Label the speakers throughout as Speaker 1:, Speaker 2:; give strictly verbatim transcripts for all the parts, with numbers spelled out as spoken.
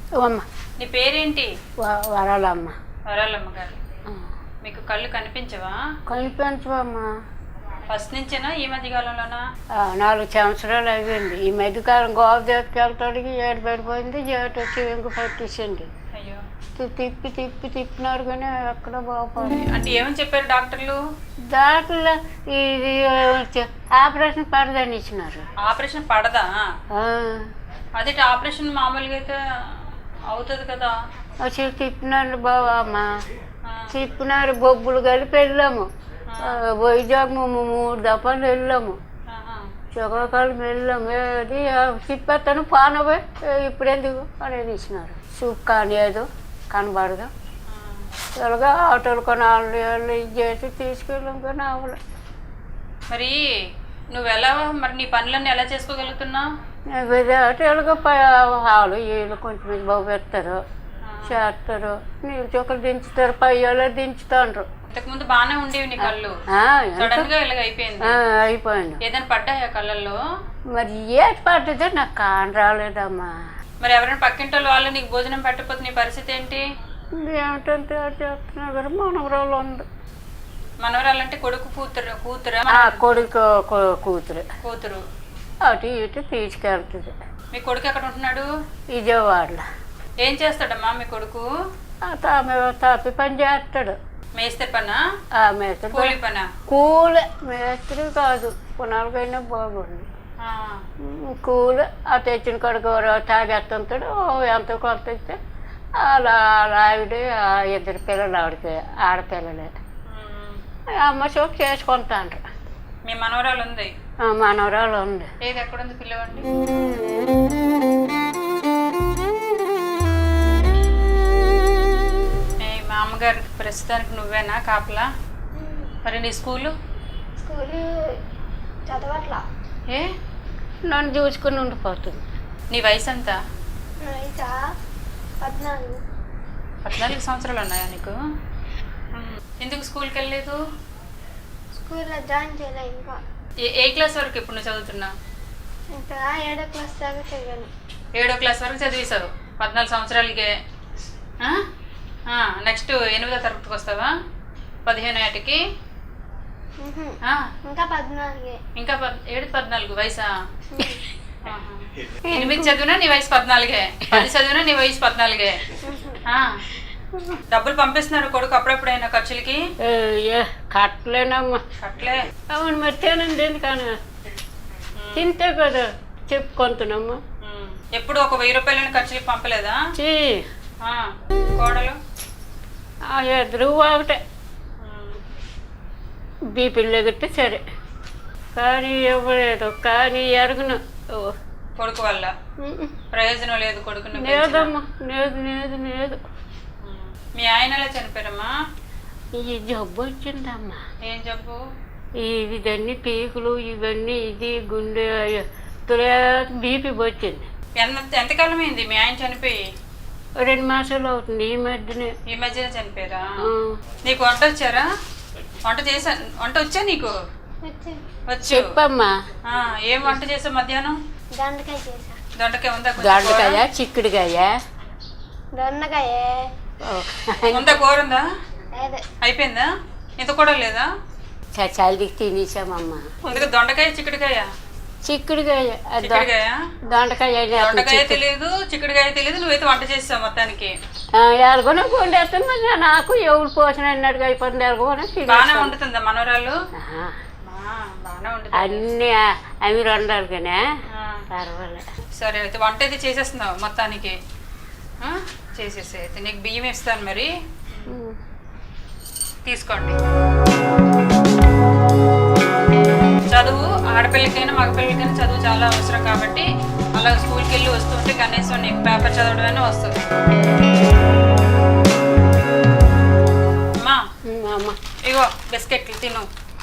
Speaker 1: అమ్మ.
Speaker 2: నీ పేరేంటి?
Speaker 1: వరాలమ్మ.
Speaker 2: వరాలమ్మ గారు. మీకు కళ్ళు కనిపించవా?
Speaker 1: కనిపించవమ్మా.
Speaker 2: ఫస్ట్ నుంచేనా ఈ మధ్య కాలంలోనా?
Speaker 1: నాలుగు సంవత్సరాలు అయ్యింది. ఈ మధ్యకాలం గోవా దగ్గరికి వెళ్తాడికి ఏడు పడిపోయింది, ఏటు వచ్చి ఇంక పట్టేసింది.
Speaker 2: అయ్యో.
Speaker 1: తిప్పి తిప్పి తిప్పినారు కానీ ఎక్కడ బాగుపడి.
Speaker 2: అంటే ఏమని చెప్పారు డాక్టర్లు?
Speaker 1: డాక్టర్లు ఇది ఆపరేషన్ పడదని ఇచ్చినారు.
Speaker 2: ఆపరేషన్ పడదా? అదే ఆపరేషన్ మామూలుగా అయితే అవుతుంది కదా.
Speaker 1: వచ్చి తిప్పినారు బావా అమ్మ. తిప్పినారు, బొబ్బులు కలిపి వెళ్ళాము. వైజాగ్ మూడు దఫాలు వెళ్ళాము, శ్రీకాకుళం వెళ్ళాము. ఏది తిప్పేస్తాను పానవే ఇప్పుడు ఎందుకు అనేది ఇచ్చినారు. సూప్ కానిలేదు, కనబడదు. ఇలాగా ఆటోలు కొనాలి వాళ్ళు ఇది చేసి తీసుకెళ్ళాం కానీ అవ్వలే.
Speaker 2: మరి నువ్వు ఎలా మరి నీ పనులన్నీ ఎలా చేసుకోగలుగుతున్నావు?
Speaker 1: ఇలాగ వాళ్ళు వీళ్ళు కొంచెం బాగు పెడతారు, చేస్తారు, నీళ్ళు చుక్కలు దించుతారు, పై వాళ్ళు దించుతాండ్రు.
Speaker 2: ఇంతకు ముందు బాగానే ఉండేవి నీ కళ్ళు, సడన్ గా ఇలాగ అయిపోయింది.
Speaker 1: అయిపోయింది.
Speaker 2: ఏదైనా పడ్డాయా కళ్ళల్లో?
Speaker 1: మరి ఏది పడ్డదో నాకు కాని రాలేదమ్మా.
Speaker 2: మరి ఎవరైనా పక్కింటి వాళ్ళు నీకు భోజనం పెట్టకపోతే నీ పరిస్థితి ఏంటి?
Speaker 1: ఏమిటంటే చేస్తున్నా కదా. మనవరాలు ఉంది.
Speaker 2: మనవరాలు అంటే కొడుకు కూతురు? కూతురా?
Speaker 1: కొడుకు కూతురు.
Speaker 2: కూతురు
Speaker 1: అటు ఇటు తీసుకెళ్తుంది.
Speaker 2: మీ కొడుకు ఎక్కడ ఉంటున్నాడు?
Speaker 1: విజయవాడలో.
Speaker 2: ఏం చేస్తాడమ్మా మీ కొడుకు?
Speaker 1: తామె తాపి పని చేస్తాడు.
Speaker 2: మేస్త్రి పనా?
Speaker 1: మేస్త్రి.
Speaker 2: కూలి పనా?
Speaker 1: కూలే, మేస్త్రి కాదు. పునాలకైనా బాగుంది. కూలి. ఆ తెచ్చిన కొడుకు తాగేస్తుంటాడు. ఎంతో కొంత ఇస్తే అలా ఆవిడ ఇద్దరు పిల్లలు, ఆవిడకి ఆడపిల్లలే. అమ్మ చూపు చేసుకుంటాండ్రు.
Speaker 2: మీ మనవరాలు ఉంది?
Speaker 1: మనవరాలు ఉంది.
Speaker 2: ఏది ఎక్కడ ఉంది పిల్లవండి? మా అమ్మగారికి ప్రస్తుతానికి నువ్వేనా కాపలా? మరి నీ స్కూలు?
Speaker 3: స్కూలు చదవట్లా.
Speaker 2: ఏ?
Speaker 1: నన్ను చూసుకుని ఉండిపోతుంది.
Speaker 2: నీ వయసు ఎంత?
Speaker 3: వయసా పద్నాలుగు.
Speaker 2: పద్నాలుగు సంవత్సరాలు ఉన్నాయా నీకు? ఎందుకు స్కూల్కి వెళ్ళలేదు?
Speaker 3: స్కూల్లో జాయిన్ చేయలే ఇంకా.
Speaker 2: ఏ ఏ క్లాస్ వరకు ఇప్పుడు నువ్వు చదువుతున్నావు?
Speaker 3: ఇంకా ఏడో క్లాస్ దాకా చదివాను.
Speaker 2: ఏడో క్లాస్ వరకు చదివేశావు పద్నాలుగు సంవత్సరాలకే. నెక్స్ట్ ఎనిమిదో తరగతికి వస్తావా? పదిహేను ఏటికి?
Speaker 3: ఇంకా పద్నాలుగే.
Speaker 2: ఇంకా ఏడు పద్నాలుగు వయసా? ఎనిమిది చదివినా నీ వయసు పద్నాలుగే, పది చదివినా నీ వయసు పద్నాలుగే. డబ్బులు పంపిస్తున్నారు కొడుకు అప్పుడప్పుడైనా ఖర్చులకి?
Speaker 1: కట్టలేనమ్మా.
Speaker 2: కట్టలే?
Speaker 1: అవును. మరి తినండి ఎందుకని తింటే కదా చెప్పుకుంటున్నామ్మా.
Speaker 2: ఎప్పుడు ఒక వెయ్యి రూపాయలని ఖర్చులకి పంపలేదా? కోడలు
Speaker 1: ఎదురు ఒకటే బీపీలు ఎగితే సరే, కానీ ఇవ్వలేదు. కానీ ఎరగను
Speaker 2: కొడుకు వల్ల ప్రయోజనం లేదు. కొడుకుని
Speaker 1: లేదమ్మా. లేదు లేదు లేదు.
Speaker 2: మీ ఆయన ఎలా చనిపోయారమ్మా?
Speaker 1: ఈ జబ్బు వచ్చిందమ్మా.
Speaker 2: ఏం జబ్బు?
Speaker 1: ఇవన్నీ పీకులు ఇవన్నీ ఇది గుండె బీపీ వచ్చింది.
Speaker 2: ఎంత ఎంతకాలం అయింది మీ ఆయన చనిపోయి?
Speaker 1: రెండు మాసాలు అవుతుంది. ఈ మధ్యనే.
Speaker 2: ఈ మధ్యన చనిపోయారా? నీకు వంట వచ్చారా? వంట చేసా? వంట వచ్చా నీకు? వచ్చు.
Speaker 1: చెప్పమ్మా.
Speaker 2: ఏం వంట చేసావు మధ్యాహ్నం?
Speaker 3: దొండకాయ చేసా.
Speaker 2: దొండకాయ ఉందా?
Speaker 1: దొండకాయ, చిక్కుడుకాయ,
Speaker 3: దొండకాయ
Speaker 2: ఉందా? కూర ఉందా? అయిపోయిందా? ఇంత కూడా లేదా?
Speaker 1: చలికి తినేసామమ్మా.
Speaker 2: ముందుగా దొండకాయ చిక్కుడుకాయ?
Speaker 1: చిక్కుడుకాయ.
Speaker 2: చిక్కుడుకాయ
Speaker 1: దొండకాయ
Speaker 2: దొండకాయ తెలియదు, చిక్కుడుకాయ తెలియదు, నువ్వైతే వంట చేస్తావు మొత్తానికి.
Speaker 1: ఎలాగోనే వండేస్తాను. మరి నాకు ఎవరు పోషణ అన్నట్టుగా అయిపోతుంది. ఎలాగోనే
Speaker 2: బాగానే వండుతుందా మనవరాలు?
Speaker 1: అన్ని అవి వండాలి కానీ పర్వాలేదు.
Speaker 2: సరే అయితే వంట అయితే చేసేస్తున్నావు మొత్తానికి. చేసేసి అయితే నీకు బియ్యం ఇస్తాను మరి, తీసుకోండి. చదువు ఆడపిల్లకైనా మగపిల్లకైనా చదువు చాలా అవసరం కాబట్టి అలా స్కూల్కి వెళ్ళి వస్తుంటే కనీసం నీకు పేపర్ చదవడమైనా వస్తుంది. అమ్మా ఇగో బిస్కెట్లు తిను.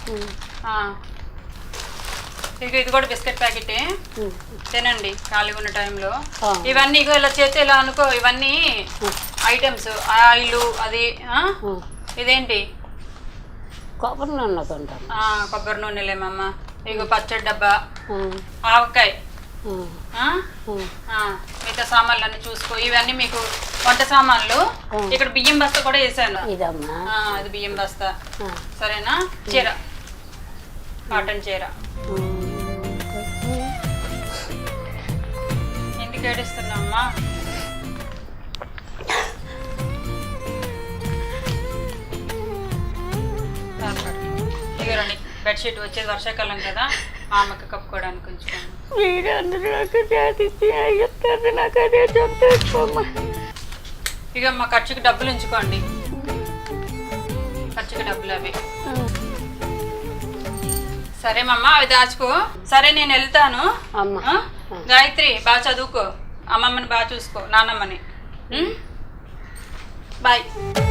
Speaker 2: ఇక ఇది కూడా బిస్కెట్ ప్యాకెటే, తినండి ఖాళీగా ఉన్న టైంలో. ఇవన్నీ ఇగో ఇలా చేస్తే ఇలా అనుకో, ఇవన్నీ ఐటమ్స్. ఆయిల్ అది. ఇదేంటి?
Speaker 1: కొబ్బరి నూనె కొంటాం.
Speaker 2: కొబ్బరి నూనెలేమమ్మ. ఇగో పచ్చడి డబ్బా, ఆవకాయ, ఆ? ఆ, మిగతా సామాన్లు అన్ని చూసుకో. ఇవన్నీ మీకు వంట సామాన్లు. ఇక్కడ బియ్యం బస్తా కూడా వేసాను.
Speaker 1: ఇదమ్మా
Speaker 2: ఆ, అది బియ్యం బస్తా. సరేనా? చీర, కాటన్ చీర. ఎందుకు ఏడుస్తున్నామ్మా? ఇదిగోండి బెడ్షీట్, వచ్చేది వర్షాకాలం కదా, మా అమ్మకి కప్పుకోవడానికి ఉంచుకోండి.
Speaker 1: మీరందరూ నాకు చేతిచ్చి చెప్తారు, నాకు అదే చెప్తామ్మా.
Speaker 2: ఇక మా ఖర్చుకి డబ్బులు ఉంచుకోండి, ఖర్చుకి డబ్బులు అవి. సరే మమ్మ, అవి దాచుకో. సరే నేను వెళ్తాను.
Speaker 1: అమ్మ
Speaker 2: ఆ? గాయత్రి బాగా చదువుకో, అమ్మమ్మని బాగా చూసుకో, నాన్నమ్మని. బాయ్.